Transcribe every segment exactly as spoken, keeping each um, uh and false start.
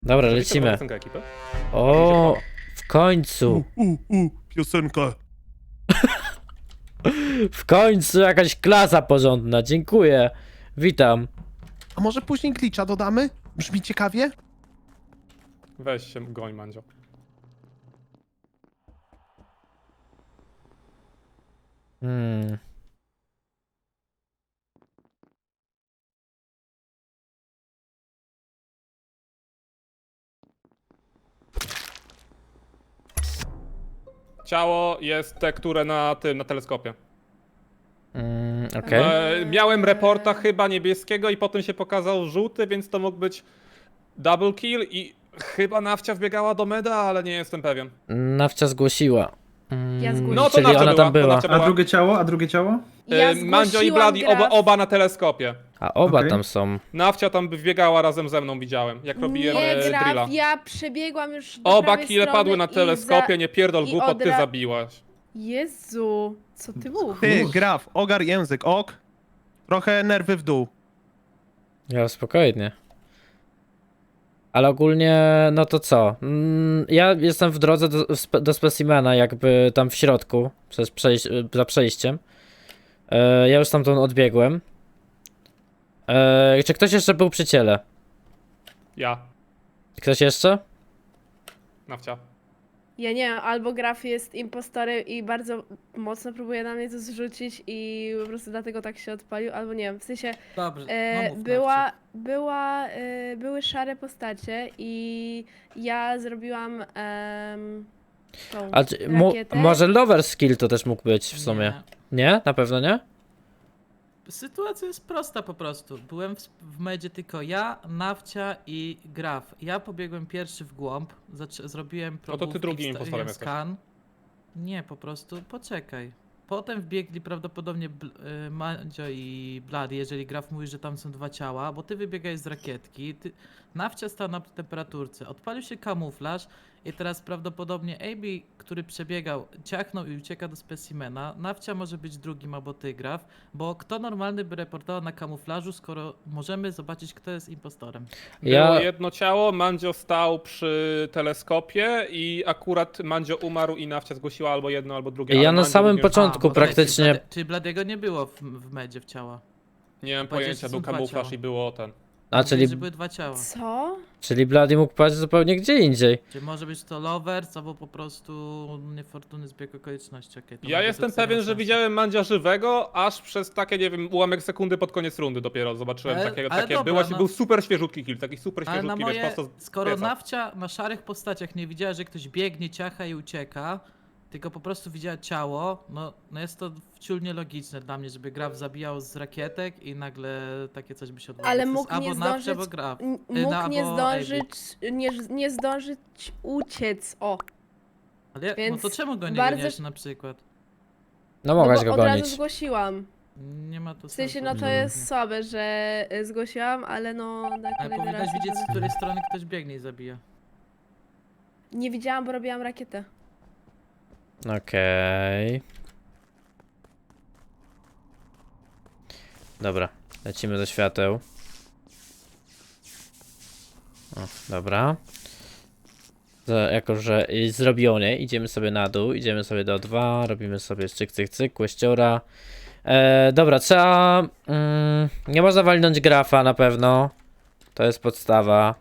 Dobra, To lecimy. piosenka ekipy? O, w końcu. U, u, u, piosenka. W końcu jakaś klasa porządna. Dziękuję. Witam. A może później glitcha dodamy? Brzmi ciekawie? Weź się, goń, Mandzio. Hmm. Ciało jest te, które na tym, na teleskopie. Mm, okej. E, miałem reporta chyba niebieskiego i potem się pokazał żółty, więc to mógł być double kill i chyba Nawcia wbiegała do meda, ale nie jestem pewien. Nawcia zgłosiła. Mm, Ja zgłosiłam. No to czyli Nawcia ona była, tam to była. Nawcia A była. drugie ciało? A drugie ciało? Ja E, Mandzio i zgłosiłam Bloody oba, graf. oba na teleskopie. A oba Okej. tam są. Nawcia tam wbiegała razem ze mną, widziałem, jak robiłem Nie, e, graf, drilla. ja przebiegłam już do Oba prawej kile strony padły na i teleskopie, za... nie pierdol i głupot, ty odra- zabiłaś. Jezu, co ty mówisz? Ty, graf, ogar język, ok. Trochę nerwy w dół. Ja spokojnie. Ale ogólnie, no to co? Mm, ja jestem w drodze do, spe- do specimena, jakby tam w środku, przez przejś za przejściem. E, ja już stamtąd odbiegłem. E, czy ktoś jeszcze był przy ciele? Ja, Ktoś jeszcze? Nawcia. Ja nie wiem, albo graf jest impostorem i bardzo mocno próbuje na mnie to zrzucić i po prostu dlatego tak się odpalił, albo nie wiem, w sensie Dobrze, e, no mów, była, Nawcie. była, e, były szare postacie i ja zrobiłam em, tą A czy, mu, rakietę. może lover skill to też mógł być w sumie. Nie. Nie? Na pewno nie? Sytuacja jest prosta po prostu. Byłem w, w medzie tylko ja, Nawcia i Graf. Ja pobiegłem pierwszy w głąb, zac- zrobiłem No to ty probówki, drugim wstawiłem impostorem jesteś. skan. Nie, po prostu poczekaj. Potem wbiegli prawdopodobnie Bl- y, Mandzio i Bloody, jeżeli Graf mówi, że tam są dwa ciała, bo ty wybiegałeś z rakietki, ty... Nawcia stał na temperaturce, odpalił się kamuflaż i teraz prawdopodobnie A B, który przebiegał, ciachnął i ucieka do specimena. Nawcia może być drugim albo ty, Graf, bo kto normalny by reportował na kamuflażu, skoro możemy zobaczyć, kto jest impostorem. Było Ja, jedno ciało, Mandzio stał przy teleskopie i akurat Mandzio umarł i Nawcia zgłosiła albo jedno, albo drugie. Ja ale na Mandzio samym również- początku bo czekaj, praktycznie- Czyli, Blade, czyli Bladiego nie było w, w medzie w ciała. Nie mam Powiedziałeś, pojęcia, że był są dwa kamuflaż ciała. i było ten. a Mówiłeś, czyli, że były dwa ciała. Co? czyli Bloody mógł paść zupełnie gdzie indziej. Czy może być to lovers, albo po prostu niefortunny zbieg okoliczności. Okay, Ja jestem pewien, że widziałem Mandzia żywego, aż przez takie, nie wiem, ułamek sekundy pod koniec rundy dopiero zobaczyłem Ale- takiego, ale takie, dobra, było, no. był super świeżutki kill, taki super Ale na świeżutki, moje, wiesz, prosto z skoro pieca. Nawcia na szarych postaciach nie widziała, że ktoś biegnie, ciacha i ucieka, tylko po prostu widziała ciało, no, no jest to wciul nielogiczne dla mnie, żeby Graf zabijał z rakietek i nagle takie coś by się odbyło. Ale To jest mógł nie albo Nawcia, zdążyć, albo Graf. n- Y, mógł no, nie albo zdążyć, nie, nie zdążyć uciec, o. Ale jak, no więc to czemu go nie bardzo goniłeś sz- na przykład? No No mogłaś bo go od razu gonić. zgłosiłam. Nie ma to W sensie, sensu. no to jest słabe, że y, zgłosiłam, ale no na Ale kolejny powinnaś raz... widzieć, z której strony ktoś biegnie i zabija. Nie widziałam, bo robiłam rakietę. Okej. Dobra, lecimy do świateł. O, dobra. To jako, że jest zrobione, idziemy sobie na dół, idziemy sobie do dwa, robimy sobie cyk, cyk, cyk, kłeściora. E, dobra, trzeba... Mm, nie można walnąć grafa na pewno. To jest podstawa.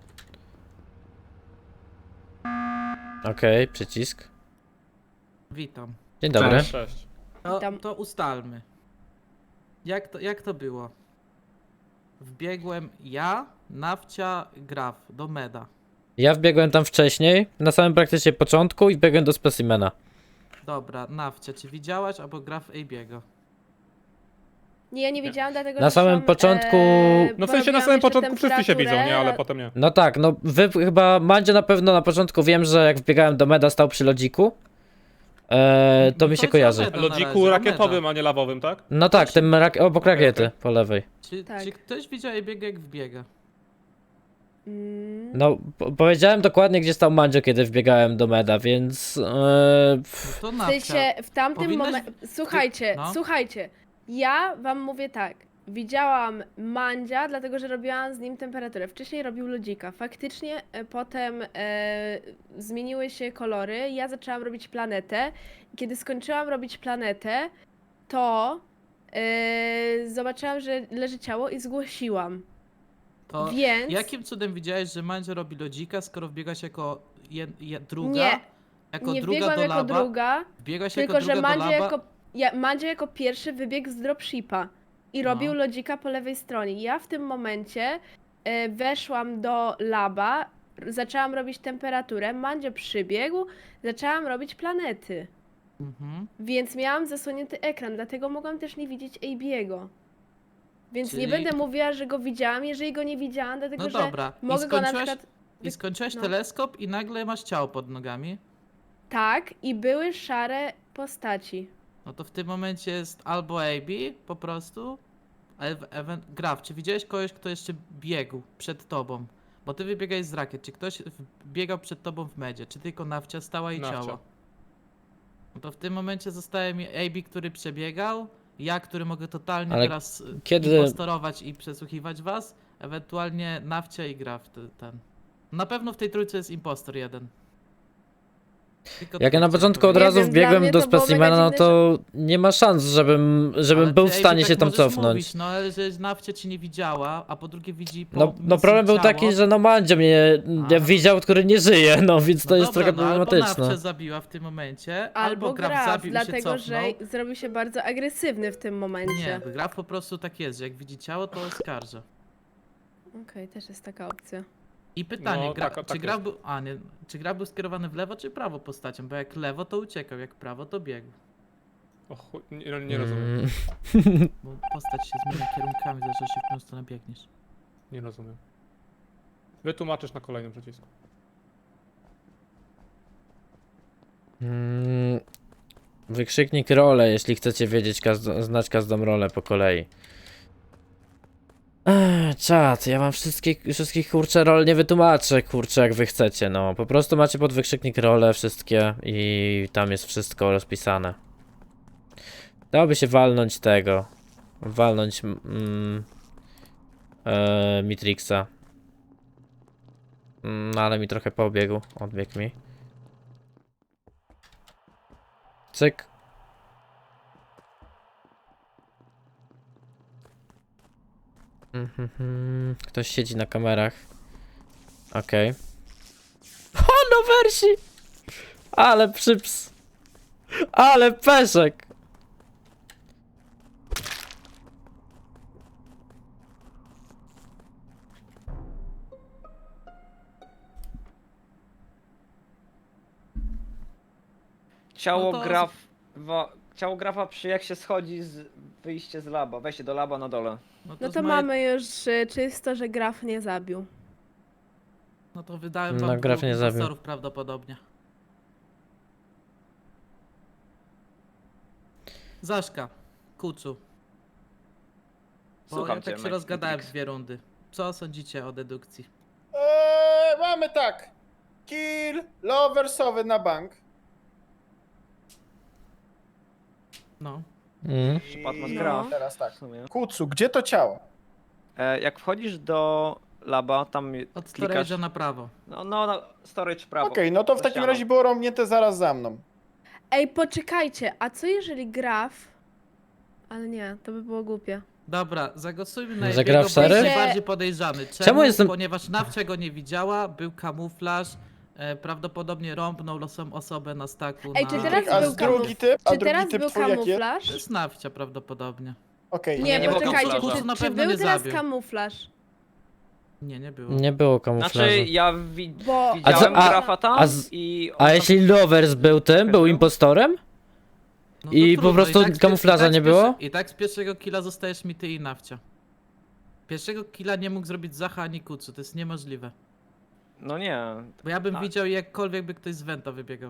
Okej, przycisk. Witam. Dzień dobry. Cześć. Cześć. To, Witam. to ustalmy. Jak to, jak to było? Wbiegłem ja, Nawcia, Graf do meda. Ja wbiegłem tam wcześniej, na samym praktycznie początku i biegłem do specimena. Dobra, Nawcia, czy widziałaś albo Graf Ejbiego? Nie, ja nie widziałam, dlatego Na że samym szłam, początku- E, No w sensie na porobiłam samym jeszcze początku wszyscy się widzą, nie? Ale temperaturę. potem nie. No tak, no wy chyba, Mandzio na pewno na początku wiem, że jak wbiegałem do meda stał przy lodziku. E, to No mi to się jest kojarzy. Meda na Lodziku razie, rakietowym, Meda. a nie lawowym, tak? No tak, tym rak obok Okej, rakiety, okej. po lewej. Czy, Tak. czy ktoś widział Ejbiego jak wbiega? Mm, No, po powiedziałem dokładnie gdzie stał Mandzio, kiedy wbiegałem do meda, więc... E, No pff, to w Nawcia. sensie, w tamtym powinnaś- momencie... Słuchajcie, no. słuchajcie. Ja wam mówię tak. widziałam Mandzia, dlatego że robiłam z nim temperaturę. Wcześniej robił lodzika. Faktycznie e, potem e, zmieniły się kolory. Ja zaczęłam robić planetę. I kiedy skończyłam robić planetę, to e, zobaczyłam, że leży ciało i zgłosiłam. To Więc jakim cudem widziałeś, że Mandzio robi lodzika, skoro wbiegasz jako je, je, druga? Nie, jako nie druga wbiegłam do jako laba? druga, Wbiegłaś tylko jako że druga do Mandzio laba? jako, ja, Mandzio jako pierwszy wybiegł z dropshipa i No. robił lodzika po lewej stronie. Ja w tym momencie e, weszłam do laba, r- zaczęłam robić temperaturę, Mandzio przybiegł, zaczęłam robić planety. Mhm. Więc miałam zasłonięty ekran, dlatego mogłam też nie widzieć A B'ego. Więc nie Czyli- będę mówiła, że go widziałam, jeżeli go nie widziałam, dlatego No że dobra. I mogę go na skończyłaś- przykład... I skończyłeś no. teleskop i nagle masz ciało pod nogami. Tak, i były szare postaci. No to w tym momencie jest albo A B po prostu, ale Graf, czy widziałeś kogoś, kto jeszcze biegł przed tobą? Bo ty wybiegałeś z rakiet, czy ktoś w- biegał przed tobą w medzie, czy tylko Nawcia stała i Nawcia. ciało? No to w tym momencie zostaje mi A B, który przebiegał, ja, który mogę totalnie Ale teraz y, kiedy- impostorować i przesłuchiwać was, ewentualnie Nawcia i Graf te- ten. Na pewno w tej trójce jest impostor jeden. Tylko Jak ja tyle na chciałem początku od Nie razu wiem, dla wbiegłem mnie do to było mega specimena, no dziwne, to nie ma szans, żebym, żebym Ale był ty, w Ej, stanie tak się tam możesz cofnąć. Mówić, no ale że Nawcia ci nie widziała, a po drugie widzi po No, no misji problem był ciało. taki, że no Mandzio mnie A. ja widział, który nie żyje, no więc No to jest dobra, trochę no, albo problematyczne. Nawcia zabiła w tym momencie, albo, Albo Graf, Graf, zabił i się dlatego że cofnął. zrobił się bardzo agresywny w tym momencie. Nie, Graf po prostu tak jest, że jak widzi ciało, to oskarża. Okej, też jest taka opcja. I pytanie, No, gra, tak, czy tak Graf jest. był, a nie, czy Graf był skierowany w lewo czy prawo postacią? Bo jak lewo to uciekał, jak prawo to biegł. O chuj, nie, nie rozumiem. Mm, Bo postać się zmienia kierunkami, zależy się w którą stronę biegniesz. Nie rozumiem. Wytłumaczysz na kolejnym przycisku. mm, Wykrzyknik rolę, jeśli chcecie wiedzieć, każdą, znać każdą rolę po kolei. Ech, czad, ja wam wszystkich, wszystkich kurczę rol nie wytłumaczę, kurczę, jak wy chcecie, no. Po prostu macie pod wykrzyknik rolę wszystkie i tam jest wszystko rozpisane. Dałoby się walnąć tego. Walnąć mm, e, Mitrixa. Mm, ale mi trochę pobiegł, odbiegł mi. Cyk. Mhm, ktoś siedzi na kamerach. Okej. O, no wersji! Ale przyps! Ale peszek! Ciało No to- grafa, ciało grafa przy jak się schodzi z wyjście z laba, wejście do laba na dole. No z to mojej- mamy już y, czysto, że Graf nie zabił. No to wydałem No, wam Graf dwóch nie zabił. impostorów prawdopodobnie. Zaszka, Kucu. Bo Słucham ja cię, tak się Mike- rozgadałem Matrix. dwie rundy. Co sądzicie o dedukcji? Eee, mamy tak. Kill loversowy na bank. No. Mm. Przypadł I graf. teraz tak. W sumie. Kucu, gdzie to ciało? E, jak wchodzisz do laba, tam Od klikasz, storage'a na prawo. no, no, no storage prawo. Okej, no to w za takim ścianą. razie było romnięte zaraz za mną. Ej, poczekajcie, a co jeżeli Graf... Ale nie, to by było głupie. Dobra, zagłosujmy na Że jego, gra w bo szery? jest najbardziej podejrzany. Czemu? Czemu jestem- Ponieważ Nawcia go nie widziała, był kamuflaż, e, prawdopodobnie rąbnął losą osobę na staku Ej, na... czy teraz A był drugi typ? A Czy drugi teraz typ był twój jaki jest? To kamuflaż? jest Nawcia prawdopodobnie. Okej, Nie, nie było poczekajcie, kamuflaża. czy, Na czy pewno był nie teraz zabił. kamuflaż? Nie, nie było. Nie było kamuflażu. Znaczy, ja wi Bo... widziałem A co- a- grafa tam a z- i... on A tam- jeśli Lovers był tym, był impostorem? No I to po prostu z pier- kamuflaża i tak nie z było? pierwsze- I tak z pierwszego killa zostajesz mi ty i Nawcia. Pierwszego killa nie mógł zrobić Zacha ani Kucu, to jest niemożliwe. No nie. Bo ja bym Tak. widział jakkolwiek by ktoś z Venta wybiegał.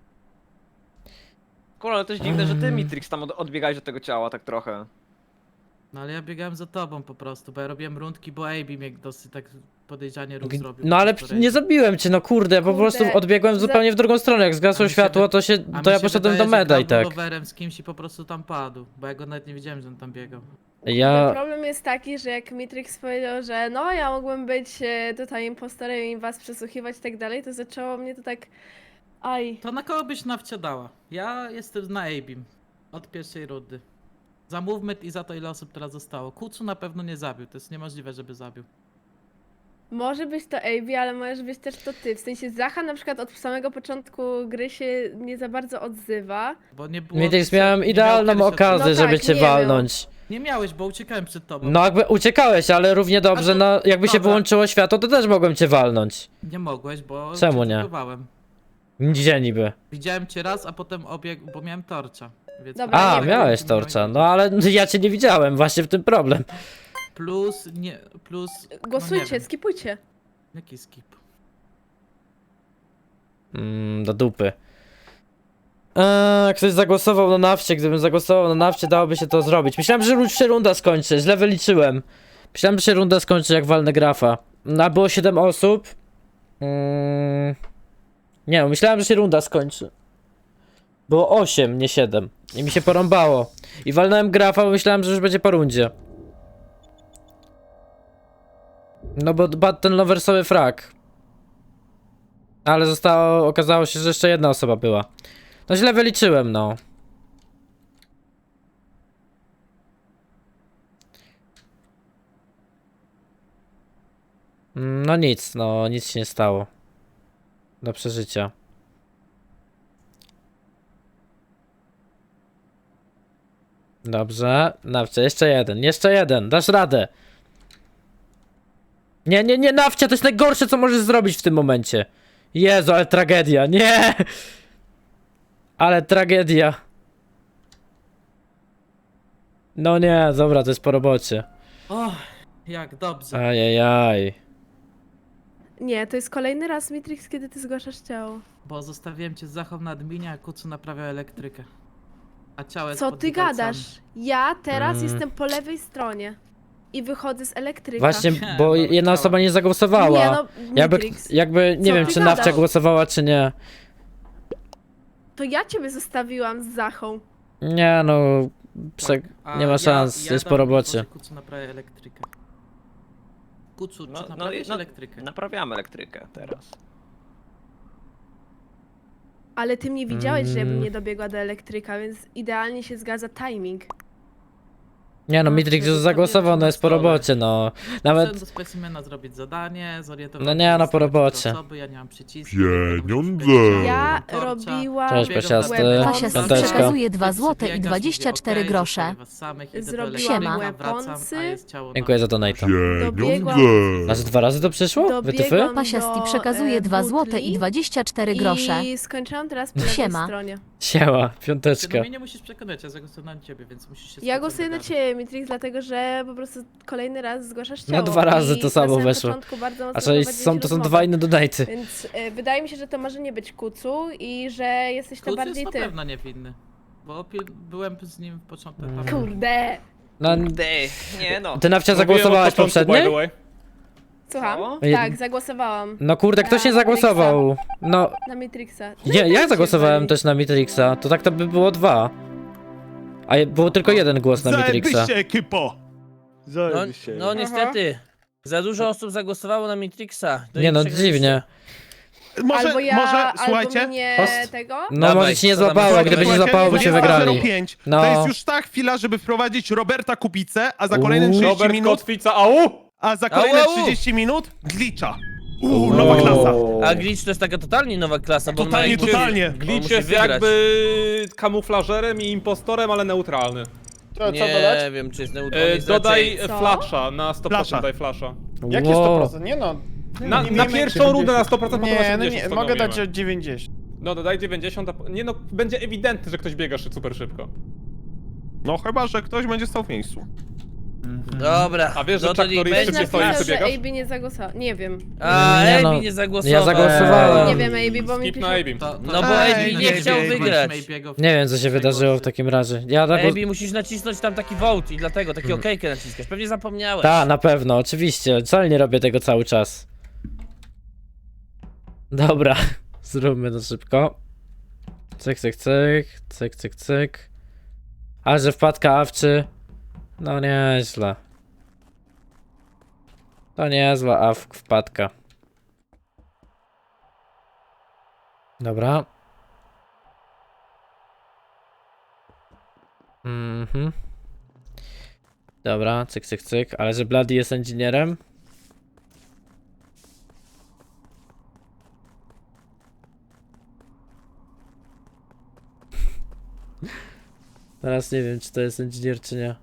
Kurwa, ale to jest dziwne, że ty, Mm. Mitrix, tam od odbiegałeś do tego ciała tak trochę. No ale ja biegałem za tobą po prostu, bo ja robiłem rundki, bo A B mnie dosyć tak podejrzanie ruch G- zrobił. No ale po p- nie storage'u. zabiłem cię, no kurde, ja po Kurde, prostu odbiegłem za- zupełnie w drugą stronę. Jak A zgasło mi się światło, wy- to się, A to mi ja się poszedłem wydaje, do że meda i grał tak. rowerem z kimś i po prostu tam padł, bo ja go nawet nie widziałem, że on tam biegał. Ja... Problem jest taki, że jak Mitrix powiedział, że no ja mogłem być e, tutaj impostorem i was przesłuchiwać i tak dalej, to zaczęło mnie to tak... Aj. To na kogo byś nawcia dała? Ja jestem na Abim. Od pierwszej rundy. Za movement i za to, ile osób teraz zostało. Kucu na pewno nie zabił, to jest niemożliwe, żeby zabił. Może być to A B, ale możesz być też to ty. W sensie Zacha na przykład od samego początku gry się nie za bardzo odzywa. Bo nie było... Mitrix, nie miałem miał idealną pierwszej- okazję, No żeby tak, cię nie miał. walnąć. Nie miałeś, bo uciekałem przed tobą. No jakby uciekałeś, ale równie dobrze, A to- no jakby się dobra. wyłączyło światło, to też mogłem cię walnąć. Nie mogłeś, bo... Czemu cię nie? atakowałem. Gdzie niby? Widziałem cię raz, a potem obiegł, bo miałem torcza. Więc Dobra, A, nie wiem. miałeś torcza, no ale ja cię nie widziałem, właśnie w tym problem. Plus, nie, plus... No Głosujcie, nie wiem. skipujcie. Jaki skip? Mm, do dupy. Eee, ktoś zagłosował na nafcie, gdybym zagłosował na nafcie, dałoby się to zrobić. Myślałem, że już się runda skończy, źle wyliczyłem. Myślałem, że się runda skończy jak walnę grafa. No, było siedem osób. Mm, nie no, myślałem, że się runda skończy. Było osiem, nie siedem. I mi się porąbało. I walnąłem grafa, bo myślałem, że już będzie po rundzie. No bo dba ten loversowy frak. Ale zostało, okazało się, że jeszcze jedna osoba była. No źle wyliczyłem, no. Mm, No nic, no nic się nie stało. Do przeżycia. Dobrze, nawcia, jeszcze jeden, jeszcze jeden, dasz radę. Nie, nie, nie, nawcia, to jest najgorsze, co możesz zrobić w tym momencie. Jezu, ale tragedia, nie! Ale tragedia. No nie, dobra, to jest po robocie. O, jak dobrze. Ajajaj. Nie, to jest kolejny raz Mitrix, kiedy ty zgłaszasz ciało. Bo zostawiłem cię z Zachą na adminie, a Kucu naprawiał elektrykę. A ciało jest Co pod ty widelcami. gadasz? Ja teraz Mm. jestem po lewej stronie. I wychodzę z elektryka. Właśnie, Nie, bo no, jedna chciała. osoba nie zagłosowała. Nie no, jakby, Mitrix. jakby, nie Co wiem, ty czy gadasz? nawcia głosowała, czy nie. To ja ciebie zostawiłam z Zachą. Nie no, prze... A nie ma ja- szans, ja jest po dam robocie. info, że Kucu naprawia elektrykę. Kucu, No, czy no, naprawiasz no, elektrykę? Naprawiamy elektrykę teraz. Ale ty mnie widziałeś, że ja bym Mm. nie dobiegła do elektryka, więc idealnie się zgadza timing. Nie no, A, Mitrix wtedy już zagłosował, stawiłem no jest po na stole. robocie, no. Chciałem Nawet, do specimena zrobić zadanie, zorientowałem No się, nie, że no po zostały cztery robocie. Osoby, ja nie mam przycisku. Pieniądze. Ja Torcza. robiłam Cześć, Biegam pasiasty. na łeb, Pasiasty Piąteczka. przekazuje dwa złote i Biegasz, dwadzieścia cztery mówię, okej, grosze. zostawię was samych, idę do Zrobiłam elektryka, wracam, weaponsy. a jest ciało na- dziękuję za donata. Pieniądze. Aż dwa razy to przyszło? Wytyfy? Dobiegłam Pasiasti do, przekazuje e, dwa złote butli i dwadzieścia cztery grosze. I skończyłam teraz po lewej Siema. stronie. Siema, Ty piąteczka. no mnie nie musisz przekonać, ja zagłosowałem na ciebie, więc musisz się z Ja Kucem głosuję na dogadać. ciebie, Mitrix, dlatego że po prostu kolejny raz zgłaszasz ciało. No dwa razy i to samo na samym weszło. początku bardzo mocno A czyli prowadziłeś są, to są rozmowę. dwa inne donaty. Więc e, wydaje mi się, że to może nie być Kucu i że jesteś to Kuc bardziej jest ty. na pewno niewinny. Bo pil- byłem z nim w początku Mm. etapu. Kurde! No, Kurde, nie no. ty nawcia Mówiłem od zagłosowałaś początku, by poprzedniej? the way. Słucham? Co? Tak, zagłosowałam No kurde, ktoś nie Na zagłosował. No, na Mitrixa. nie, ja tak zagłosowałem też na Mitrixa. To tak to by było dwa. A je- było tylko jeden głos na Mitrixa. Zajebiście, ekipo! No, Zajebiście. no niestety, za dużo osób zagłosowało na Mitrixa. To Nie no, przegraliście. dziwnie. Może, albo ja, może, albo słuchajcie, mnie Host? tego. No Dawaj, może ci nie co tam złapało, masz? gdyby ci Słuchajcie, złapało, by się wygrali. dwadzieścia pięć. No. To jest już ta chwila, żeby wprowadzić Roberta Kubicę, a za kolejne Uuu. trzydzieści Robert minut, Kotwica, au! a za kolejne Au, au. trzydzieści minut glitcha. Uuu, nowa klasa. A Glitch to jest taka totalnie nowa klasa, bo on Totalnie, ma totalnie. On Glitch musi jest wygrać. jakby kamuflażerem i impostorem, ale neutralny. To co Nie dodać? wiem, czy jest neutralny. E, jest dodaj raczej- Co? flasha, na sto procent Flasha. daj flasha. Jakie sto procent? Nie no. Na, nie na wiemy, pierwszą jak rundę na dziewięćdziesiąt. sto procent, potem Nie, no osiemdziesiąt nie, mogę dać stanowimy. od dziewięćdziesiąt. No dodaj dziewięćdziesiąt, a po- nie no, będzie ewidentny, że ktoś biega szy- super szybko. No chyba, że ktoś będzie stał w miejscu. Dobra, A wiesz, że no to Chuck niech Norris będzie. szybciej stoi, Napisał, ty że biegasz? A B nie zagłosował. Nie wiem. A, Nie, Ebi no, nie zagłosował. ja zagłosowałem. Nie wiem, A B, bo mi Skip pisze... na Abim. To- to- No bo Ej, Ebi nie nie chciał wiem, wygrać. Nie wiem, co się wydarzyło w takim razie. Ja tak... Ebi musisz nacisnąć tam taki vote i dlatego, taki Mhm. okejkę naciskasz. Pewnie zapomniałeś. Tak, na pewno, oczywiście. Wcale nie robię tego cały czas. Dobra, zróbmy to szybko. Cyk, cyk, cyk, cyk, cyk, cyk. A że wpadka awczy. No nieźle. To niezła a wpadka. Dobra. Mhm. Dobra, cyk, cyk, cyk. Ale że Bloody jest inżynierem? Teraz nie wiem, czy to jest inżynier, czy nie.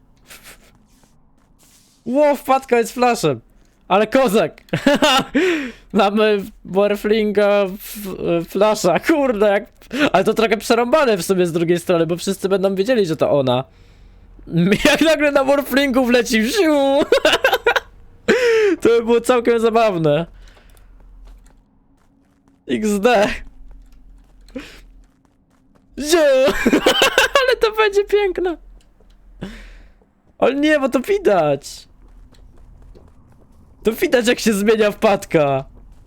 Ło, wpadka jest flashem! Ale kozak! Mamy Warflinga w- flasha, kurde, jak... Ale to trochę przerąbane w sobie z drugiej strony, bo wszyscy będą wiedzieli, że to ona. Jak nagle na Warflingu wleci, wsiu! To by było całkiem zabawne. iks de. Ziu! Ale to będzie piękne. Ale nie, bo to widać. To widać, jak się zmienia wpadka.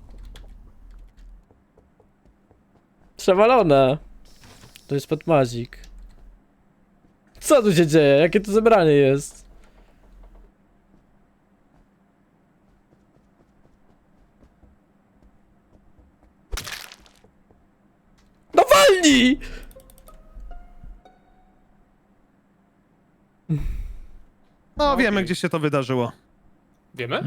Przewalone. To jest podmazik. Co tu się dzieje? Jakie to zebranie jest? No walnij! No wiemy, gdzie się to wydarzyło. Wiemy?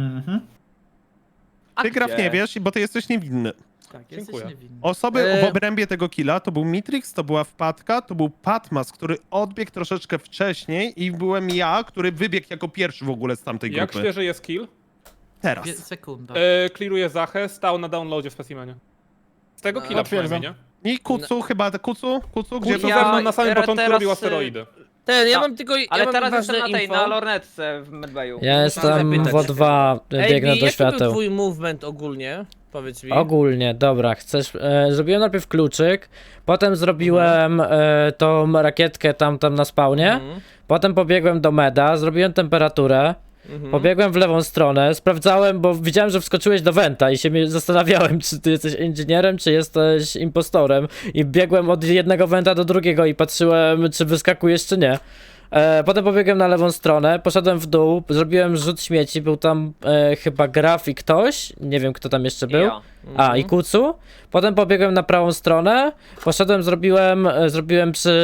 Ty, Graf, nie wiesz, bo ty jesteś niewinny. Tak, jesteś Dziękuję. niewinny. Osoby E- w obrębie tego killa to był Mitrix, to była wpadka, to był Patmas, który odbiegł troszeczkę wcześniej i byłem ja, który wybiegł jako pierwszy w ogóle z tamtej Jak grupy. świeży jest kill? Teraz. Dwie- Sekunda. E, clearuje Zachę, stał na downloadzie w specimenie. Z tego No, killa potwierdzam. przynajmniej, nie? I Kucu, chyba Kucu? Kucu, gdzie Kucu był? ze mną na samym Ja początku teraz, robił y, asteroidy. Ten, ja Ta- mam tylko. Ja Ale mam teraz ważne jestem na tej, info. na lornetce w medbayu. Ja jestem zapytać w O dwa, biegnę Ej, do jaki był świateł. twój movement ogólnie? Powiedz mi. Ogólnie, dobra, chcesz. E, zrobiłem najpierw kluczyk, potem zrobiłem e, tą rakietkę tam, tam na spawnie, Mhm. potem pobiegłem do meda, zrobiłem temperaturę, Mhm. pobiegłem w lewą stronę, sprawdzałem, bo widziałem, że wskoczyłeś do Wenta i się mnie zastanawiałem, czy ty jesteś inżynierem, czy jesteś impostorem. I biegłem od jednego Wenta do drugiego i patrzyłem, czy wyskakujesz, czy nie. E, potem pobiegłem na lewą stronę, poszedłem w dół, zrobiłem rzut śmieci, był tam e, chyba Graf i ktoś, nie wiem kto tam jeszcze I był. ja. A, i Kucu. Potem pobiegłem na prawą stronę, poszedłem, zrobiłem, e, zrobiłem przy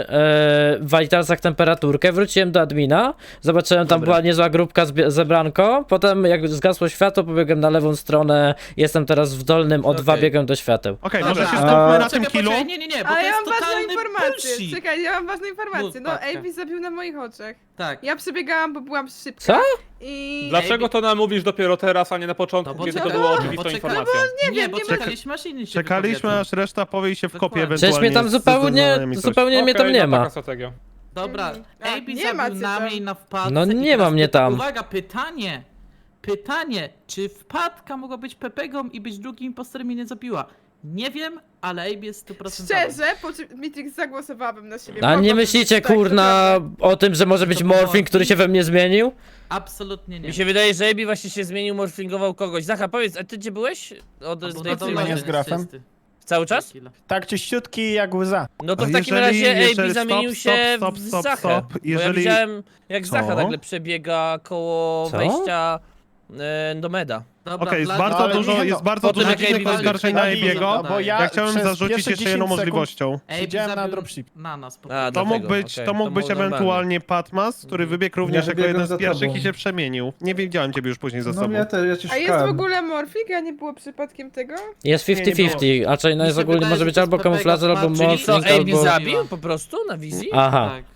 e, Vitalsach temperaturkę, wróciłem do admina, zobaczyłem, tam Dobra. była niezła grupka zbie- zebranko, potem jak zgasło światło, pobiegłem na lewą stronę, jestem teraz w dolnym, o dwa Okej. biegłem do świateł. Okej, Dobra. może się A- skupmy na Czekaj, tym killu. poczekaj, Nie, nie, nie, bo Ale to ja jest mam ważną totalny informację. bullshit. Czekaj, ja mam ważną informację. No, Mów, Patka. A B zabił na moich oczach. Tak. Ja przebiegałam, bo byłam szybka. Co? I... Dlaczego to nam mówisz dopiero teraz, a nie na początku, No bo kiedy to czekaj, było no bo oczywistą czekaj, informacją? Nie Nie, wiem, bo nie czekaliśmy aż inni się Czekaliśmy, wypowiedzą. aż reszta powie się w kopie Dokładnie. Przecież mnie tam ewentualnie z zupełnie, zdecydowaniem i coś. zupełnie mnie tam Okej, nie no ma. taka strategia. Dobra, A, A B nie ma zabił cię na tam. mnie i na wpadce. No i nie teraz ma mnie pyta- tam. Uwaga, pytanie. Pytanie, czy wpadka mogła być Pepegą i być drugim impostorem i nie zabiła? Nie wiem, ale A B jest sto procent Szczerze, po czym Mitrix zagłosowałabym na siebie. A Mogłabym nie myślicie, tak, kurna, naprawdę. o tym, że może być To Morphing, który się we mnie zmienił? Absolutnie nie. Mi się wydaje, że A B właśnie się zmienił, morfingował kogoś. Zacha, powiedz, a ty gdzie byłeś? Od Albo z na tej dole strony? nie z grafem. czysty. Cały czas? Tak czyściutki jak łza. No to A w takim jeżeli- razie A B jeżeli- zamienił stop, się stop, w stop, Zachę. stop. Bo ja Jeżeli- widziałem, jak Co? Zacha nagle przebiega koło Co? wejścia e, do meda. Dobra, Okej, jest Vlad- bardzo ale dużo, nie, no. jest bardzo Potem dużo jak dziwnych A B oskarżeń na zabił, Ebiego. no bo ja, Ja chciałem przez zarzucić pierwsze jeszcze dziesięć jedną sekund możliwością. A B Siedziałem na zabił dropship. Na nas po A, To dlatego, mógł być, okej, to mógł to być było normalne. ewentualnie Patmas, który wybiegł również jako wybiegłem jeden z za pierwszych tobą. i się przemienił. Nie widziałem ciebie już później za No sobą. ja, te, ja cię A jest w szukałem. ogóle Morfik, a nie było przypadkiem tego? Jest Nie, nie fifty fifty, a czyli no Mi jest się ogólnie, wydaje, może że być to albo jest Pepega kamuflażer, albo Smart, czyli Czyli co, morphing, A B albo... zabił po prostu na wizji? Aha. Tak.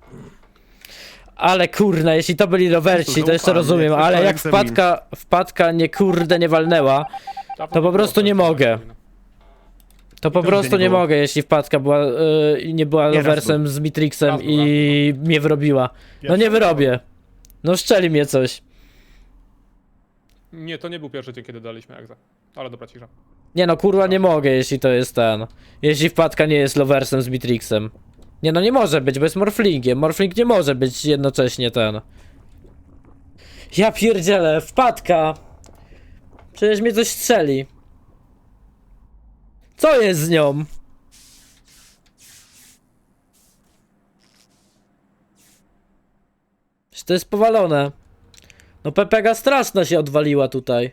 Ale kurna, jeśli to byli rowerci, to jeszcze Zaufanie, rozumiem, tylko ale jak egzamin. wpadka, wpadka nie kurde nie walnęła, to po prostu nie mogę. To po nigdzie prostu nie nie było. mogę, jeśli wpadka była, yy, nie była Nie, raz loversem z Mitrixem Raz był, i mnie wyrobiła. No nie wyrobię. No szczeli mnie coś. Nie, to nie był pierwszy dzień, kiedy daliśmy egza. Ale dobra, cisza. Nie no kurwa nie mogę, jeśli to jest ten. Jeśli wpadka nie jest loversem z Mitrixem. Nie no nie może być, bo jest morflingiem. Morfling nie może być jednocześnie ten. Ja pierdzielę, wpadka. Przecież mnie coś strzeli. Co jest z nią? To jest powalone. No Pepega straszna się odwaliła tutaj.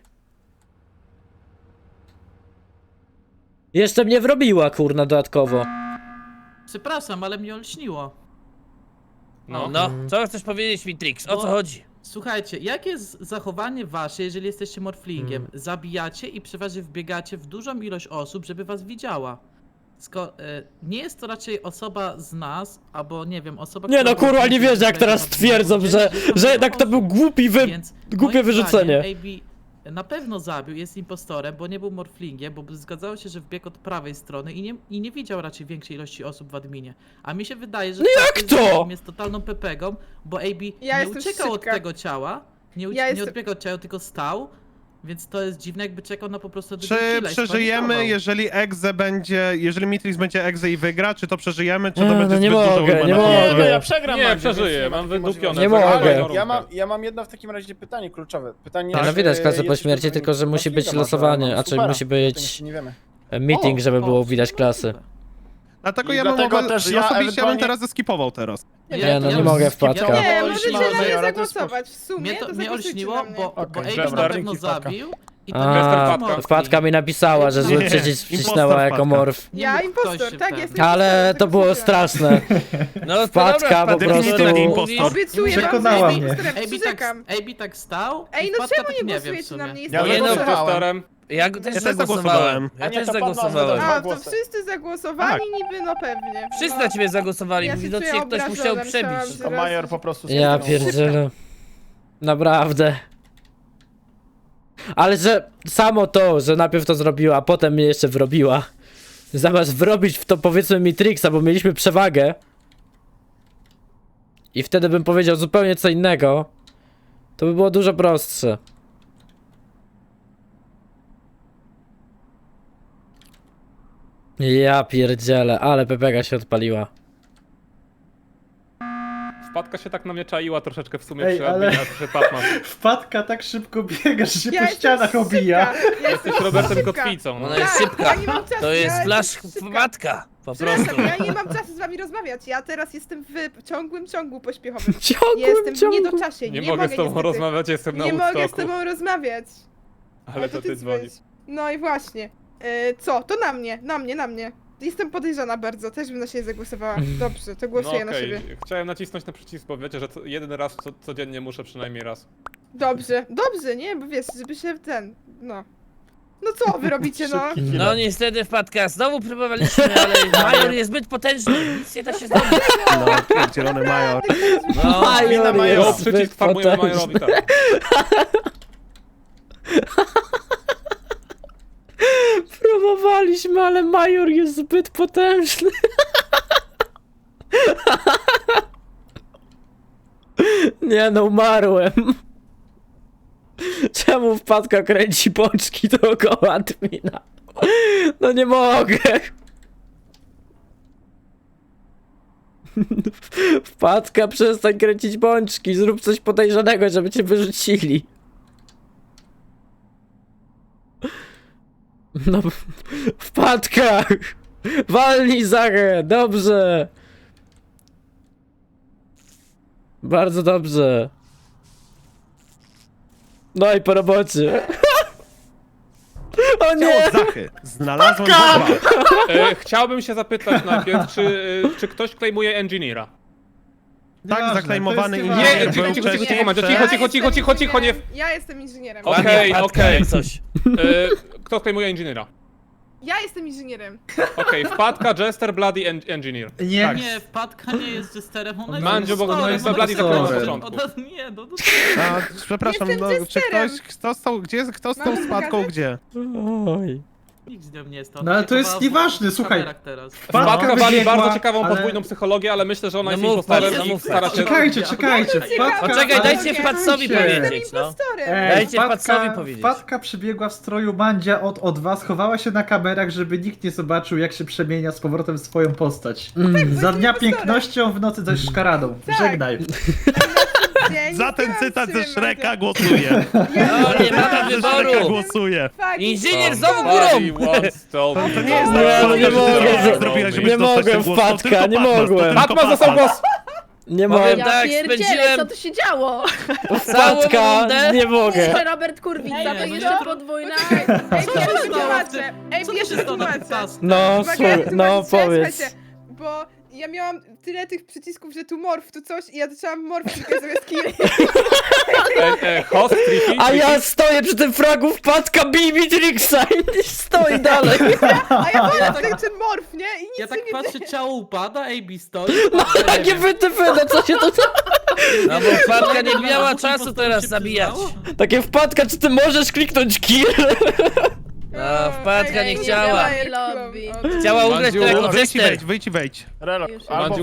Jeszcze mnie wrobiła, kurna, dodatkowo. Przepraszam, ale mnie olśniło. No. No, co chcesz powiedzieć, Mitrix? O co Bo- chodzi? Słuchajcie, jakie jest zachowanie wasze, jeżeli jesteście morflingiem? Mm. Zabijacie i przeważnie wbiegacie w dużą ilość osób, żeby was widziała. Sko e, nie jest to raczej osoba z nas, albo nie wiem, osoba, Nie no, która kurwa, nie będzie wierzę, jak wbiegać teraz na dół, twierdzą, bo że, wiesz, tam że dużo jednak to był osób. głupi wy... Więc głupie moim wyrzucenie. zdaniem A B na pewno zabił, jest impostorem, bo nie był morflingiem, bo zgadzało się, że wbiegł od prawej strony i nie, i nie widział raczej większej ilości osób w adminie. A mi się wydaje, że No tak jak jest, to? że on jest totalną pepegą, bo A B Ja nie jestem uciekał od szybka. tego ciała, nie, ucie- Ja nie jestem- odbiegał od ciała, tylko stał, więc to jest dziwne, jakby czekał na po prostu Czy drugi killa i przeżyjemy, spanikował. jeżeli Exe będzie, jeżeli Mitrix będzie Exe i wygra, czy to przeżyjemy, czy to Nie, będzie no nie zbyt dużo mogę, nie wymagane? mogę. Nie, no ja przegram. Nie, Mandzio, przeżyję, więc ma mam takiej wydupione. Nie możliwości. mogę. Ale Ja mam, ja mam jedno w takim razie pytanie kluczowe. Pytanie, Nie, no czy widać klasę po jesteś śmierci, dobrym tylko że musi być Morflingiem, losowanie, może a czyli supera. musi O tym być jeszcze nie wiemy. meeting, żeby O, było widać klasy. Dlatego I ja bym dlatego mogę, też ja ja osobiście ja bym ewentualnie- teraz zeskipował teraz. Nie, no nie bym mogę skipował. wpadka. Nie, To możecie olśniło, na mnie ale to jest zagłosować. W sumie Mnie to to mnie zagłosujcie olśniło, na mnie. bo, bo Okej, A B dobra. na pewno Dzięki, wpadka. zabił i to A, nie jest wpadka. Wpadka mi napisała, że zły Nie, przycisk impostor wcisnęła jako wpadka. morf. Nie Ja mógł impostor, ktoś się tak, ten- jestem Ale impostorem, to było zagłosujcie. straszne. No to Wpadka dobra, po wpadka, prostu- skoro tak Impostor. mówisz. Obiecuję wam, Przekonała że mnie. jestem A B tak, przyrzekam. A B tak stał Ej, i no wpadka czemu tak nie nie wiem w głosujecie na sumie. mnie? Ja Jestem nie no, impostorem. Impostorem. Ja też też zagłosowałem. zagłosowałem. Ja A nie, też to padła zagłosowałem. zgoda. A, to Głosy. wszyscy zagłosowali niby, no pewnie. Wszyscy no. na ciebie zagłosowali, Ja się widocznie czuję ktoś musiał obrażona, przebić. myślałam, To Major po prostu Ja skipnął. pierdzielę. Naprawdę. Ale że samo to, że najpierw to zrobiła, a potem mnie jeszcze wrobiła. Zamiast wrobić w to powiedzmy Mitrixa, bo mieliśmy przewagę. I wtedy bym powiedział zupełnie co innego. To by było dużo prostsze. Ja pierdzielę, ale Pepega się odpaliła. Wpadka się tak na mnie czaiła troszeczkę w sumie Ej, przy ale- adminie, a przy Patmas. Wpadka tak szybko biega, że się Ja po jestem ścianach obija. szybka, ja Jesteś jestem Robertem szybka. Kotwicą. No. Ona jest Tak, szybka. ja nie mam czasu, To ja jest jestem flash szybka. matka. Po Przepraszam, prostu. ja nie mam czasu z wami rozmawiać. Ja teraz jestem w ciągłym ciągu pośpiechowym. Ciągłym Jestem w ciągu. niedoczasie. Nie, Nie, mogę z tobą niestety. rozmawiać, jestem na Nie mogę z Woodstocku. tobą rozmawiać. Ale to ty dzwonisz. dzwonisz. No i właśnie. E, co? To na mnie, na mnie, na mnie. Jestem podejrzana bardzo, też bym na siebie zagłosowała. Dobrze, to No głosuję na okej, siebie. chciałem nacisnąć na przycisk, bo wiecie, że co, jeden raz co, codziennie muszę przynajmniej raz. Dobrze, dobrze, nie? Bo wiesz, żeby się ten, no. No co wy robicie, no? No niestety wpadka, znowu próbowaliśmy, ale Major jest zbyt potężny, nic nie da się zrobić. No, pierdzielony Major. No, Major Jo, jest przycisk zbyt farmujemy potężny. Majorowi, tak. Próbowaliśmy, ale Major jest zbyt potężny. Nie no, umarłem. Czemu wpadka kręci pączki dookoła admina? No nie mogę. Wpadka, przestań kręcić pączki, zrób coś podejrzanego, żeby cię wyrzucili. No, wpadka! Walnij Zachę, dobrze! Bardzo dobrze. No i po robocie. O nie! Ciało Zachy. Znalazłem dwa. E, chciałbym się zapytać najpierw, czy, e, czy ktoś klejmuje Engineera? Tak, Nieważne, zaklejmowany to jest inżynier Nie, był cicho, cicho, cicho, wcześniej cicho, Mandzio, przed- cicho, cicho, cicho, cicho, cicho, nie... inżynierem. Ja jestem inżynierem. Okej, ładnie, wpadka, okej. jak coś. E, kto klejmuje Engineera? Ja jestem inżynierem. Okej, wpadka, Jester, Bloody, en Engineer. Nie, Tak. Nie, wpadka nie jest jesterem, ona jest Mandzio, bo impostorem, jest ona Bloody jest zaklejmował na impostorem. początku. Ona- Nie, no to... A, przepraszam, Jestem no, czy testerem. ktoś, kto stał, gdzie jest, kto stał Mam z Wpadką, pokazać? gdzie? Oj. Nikt z nią nie jest. No ale to jest nieważne, słuchaj. Wpadka wali wybiegła, bardzo ciekawą ale- podwójną psychologię, ale myślę, że ona No jest mów, impostorem Maciej, i mów. stara się... Czekajcie, czekajcie, wpadka... Poczekaj, ale- dajcie Wpadcowi Czekajcie. powiedzieć, no. Impostorem. Ej, Dajcie wpadka, Wpadcowi powiedzieć. Wpadka przybiegła w stroju Mandzia od, od was, chowała się na kamerach, żeby nikt nie zobaczył, jak się przemienia z powrotem w swoją postać. Za dnia impostorem. pięknością, w nocy zaś szkaradą. Tak. Żegnaj. Dzień Za ten dobry, cytat ze Mandzio. Shreka głosuję. No, nie Cytat mamy ze Shreka wyboru. głosuję. Fuck, Inżynier impostor. znowu górą! Somebody once told me To nie jest Nie, tak, no nie że ty mogę, to że- zrobiłaś, żebyś nie dostać mogłem, ten głos, to Wpadka, tylko nie Patmas, to mogłem. tylko Patmas dostał Patmas. głos! Nie Powiem mogę. Ja tak, pierdzielę, spędziłem- co tu się działo? Całą Wpadka, rundę. nie mogę. Jeszcze Robert Kurwica, Nie, to no jeszcze nie. podwójna. Ej, Co ja się się stało w wytłumaczę. tym? Ej, Co ja tu się się stało na tym wytłumaczę. tasku? No, Uwaga, ja słuchaj, wytłumaczę, no słuchajcie, powiedz. słuchajcie, Bo ja miałam tyle tych przycisków, że tu morf, tu coś i ja zaczęłam morfikę zamiast kill. E, e, host, tricky, A ja tricky. stoję przy tym fragu, wpadka, bij Mitrixa i stoi dalej. A ja wolę ten, ten morf, nie? I nic Ja tak się nie patrzę, dzieje. ciało upada, A B stoi. No patrzę, nie takie wiem. wytyfy, no co się to... No bo wpadka nie miała Dwóch czasu impostorów teraz się zabijać. przyznało? Takie wpadka, czy ty możesz kliknąć kill? No, wpadka Ej, nie ej, chciała. ej, Lobby. o, Chciała ugrać Mandziu, to jako Wyjdź i tester. wejdź, wyjdź i wejdź. Relok, Już. albo